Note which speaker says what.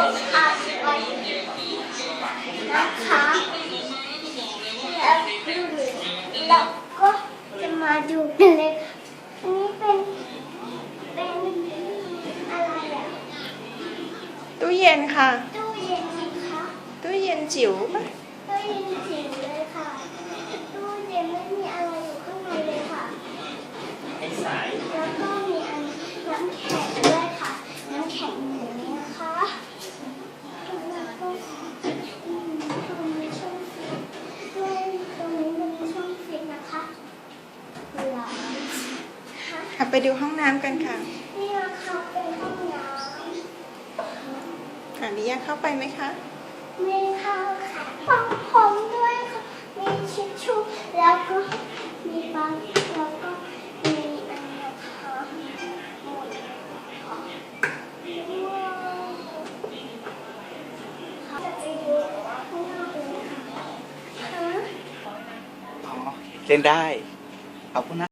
Speaker 1: อัดไว้นะคะแล้วก็จะมาดูกันเลยอันนี้เป็นอะไรอ่ะ
Speaker 2: ตู้เย็นค่ะ
Speaker 1: ตู้เย็นนะคะ
Speaker 2: ตู้เย็นจิ๋วปะ
Speaker 1: ตู้เย็นจิ๋วเลยค่ะตู้เย็นไม่มีอะไรอยู่ข้างในเลยค่ะแล้วก็มีน้ำแข็งด้วยค่ะน้ำแข็งอย่างนี้นะคะแล้วก็ตรงนี้ช่องฟิตด้วยตรงนี้เป็นช่องฟิตนะคะหลังค่ะ
Speaker 2: ไปดูห้องน้ำกันค่ะ
Speaker 1: นี่นะคะเป็นห้องน้ำ
Speaker 2: นิยาเข้าไปไหมคะ
Speaker 1: มีข้าวค่ะปังผมด้วยค่ะมีชิชชู่แล้วก็มีปังแล้วก็มีอันนะคะหมดว้าวจะไปดูข้างนอกเลยค่ะ
Speaker 3: เล่นได้ขอบคุณนะ